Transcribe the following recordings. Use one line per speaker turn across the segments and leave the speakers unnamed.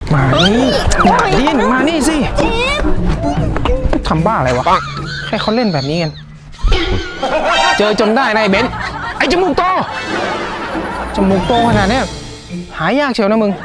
มานี่มาดินมานี่สิทำบ้าอะไรวะให้เขาเล่นแบบนี้กันเจอจนได้นายเบนซ์ไอ้จมูกโตจมูกโตขนาดเนี้ยหายากเชียวนะมึง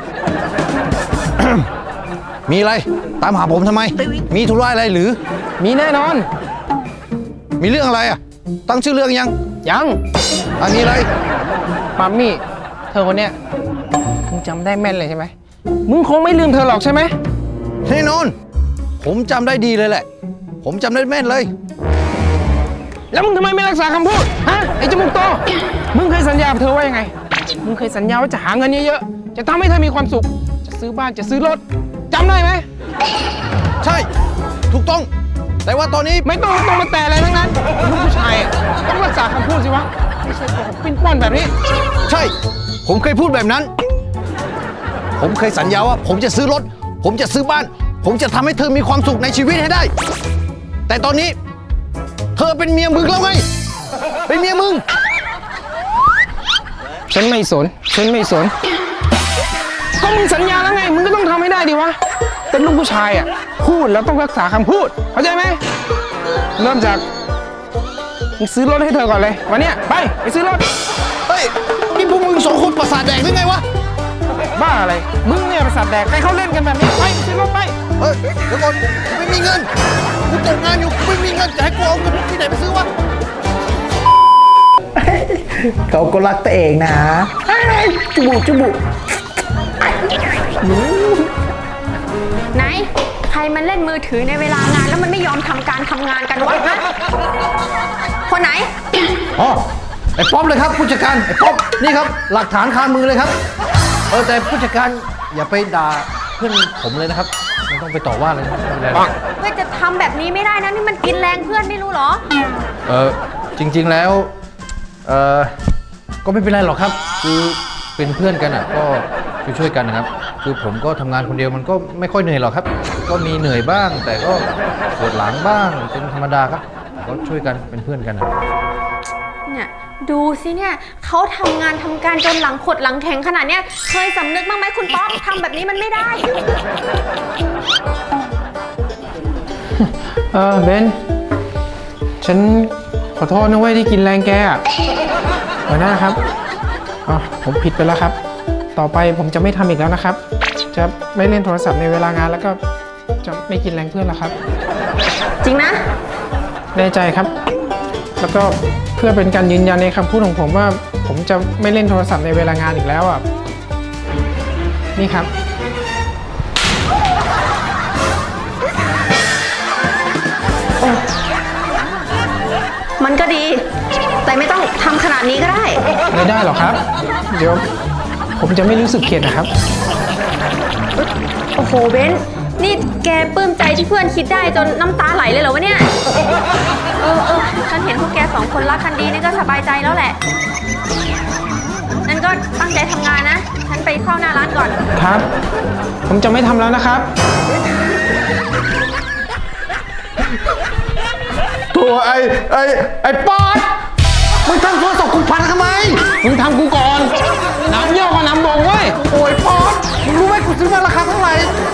มีอะไรตามหาผมทำไมมีธุระอะไรหรือ
มีแน่นอน
มีเรื่องอะไรอ่ะตั้งชื่อเรื่องยัง
ยัง
อันนี้อะไร
มัมมี่เธอคนเนี้ยมึงจำได้แม่นเลยใช่ไหมมึงคงไม่ลืมเธอหรอกใช่ไหม
แน่นอนผมจำได้ดีเลยแหละผมจำได้แม่นเลย
แล้วมึงทำไมไม่รักษาคำพูดฮะไอ้จมูกโตมึงเคยสัญญากับเธอว่ายังไงมึงเคยสัญญาว่าจะหาเงินเยอะๆจะทำให้เธอมีความสุขจะซื้อบ้านจะซื้อรถจำได้ไหม
ใช่ถูกต้องแต่ว่าตอนนี้
ไม่ต้องมาแต่อะไรทั้งนั้นลูกผู้ชายอ่ะต้องรักษาคำพูดสิวะไม่ใช่โกหกปิ้นป้อนแบบนี้
ใช่ผมเคยพูดแบบนั้น ผมเคยสัญญาว่าผมจะซื้อรถผมจะซื้อบ้าน ผมจะทำให้เธอมีความสุขในชีวิตให้ได้ แต่ตอนนี้เธอเป็นเมียมึงแล้วไงเป็นเมียมึง
ฉันไม่สนก็มึงสัญญาแล้วไงมึงก็ต้องทำให้ได้ดิวะเป็นลูกผู้ชายอ่ะพูดแล้วต้องรักษาคำพูดเข้าใจไหมเริ่มจากมึงซื้อรถให้เธอก่อนเลยวันเนี้ยไปซื้อรถ
เฮ้ยนี่พวกมึงสองคนประสาทแดกหรือไงวะ
บ้าอะไรมึงเนี่ยประสาทแดกใครเขาเล่นกันแบบนี้ไปซื้อรถไป
เฮ้ยเดี๋ยวก่อนกูไม่มีเงินกูตกงานอยู่กูไม่มีเงินจะให้กูเอาเงินที่ไหนไปซื้อวะ
เขาก็รักตัวเองนะจุบุ
ไหนใครมันเล่นมือถือในเวลางานแล้วมันไม่ยอมทำการทำงานกันวะฮะคนไหน
อ๋อไอ้ป๊อปเลยครับผู้จัดการไอ้ป๊อปนี่ครับหลักฐานคามือเลยครับแต่ผู้จัดการอย่าไปด่าเพื่อนผมเลยนะครับไม่ต้องไปต่อว่าเลยนะครับไม่เป็นไรหรอก
เพื่อจะทำแบบนี้ไม่ได้นะนี่มันกินแรงเพื่อนไม่รู้เหรอ
จริงๆแล้วก็ไม่เป็นไรหรอกครับคือเป็นเพื่อนกันอ่ะก็ช่วยกันนะครับคือผมก็ทำงานคนเดียวมันก็ไม่ค่อยเหนื่อยหรอกครับ ก็มีเหนื่อยบ้าง แต่ก็ปวดหลังบ้างเป็นธรรมดาครับก็ช่วยกันเป็นเพื่อนกันนะ
เนี่ยดูสิเนี่ยเขาทำงานทำการจนหลังขดหลังแข็งขนาดเนี้ยเคยสำนึกบ้างไหมคุณป๊อปทำแบบนี้มันไม่ได้
เบนฉันขอโทษนะเว้ยที่กินแรงแกอ่ะหัวหน้าครับผมผิดไปแล้วครับต่อไปผมจะไม่ทำอีกแล้วนะครับ จะไม่เล่นโทรศัพท์ในเวลางานแล้วก็จะไม่กินแรงเพื่อนแล้วครับ
จริงนะ
แน่ใจครับแล้วก็เพื่อเป็นการยืนยันในคำพูดของผมว่าผมจะไม่เล่นโทรศัพท์ในเวลางานอีกแล้วอ่ะนี่ครับ
มันก็ดี แต่ไม่ต้องทำขนาดนี้ก็ได้
ไม่ได้หรอกครับเดี๋ยวผมจะไม่รู้สึกเข็ดนะครับ
โอ้โหเบนนี่แกปลื้มใจที่เพื่อนคิดได้จนน้ำตาไหลเลยเหรอวะเนี่ยฉันเห็นพวกแกสองคนรักกันดีนี่ก็สบายใจแล้วแหละงั้นก็ตั้งใจทำงานนะฉันไปเข้าหน้าร้านก่อน
ครับ ผมจะไม่ทำแล้วนะครับ
ตัวไอ้ป๊อปมึงทำโทรศัพท์กูพังทำไม
มึงทำกูก่อนน้ำเยี่ยวกับน้ำบ่งเว้ย
โอ้ยป๊อปมึงรู้ไหมกูซื้อมาราคาเท่าไหร่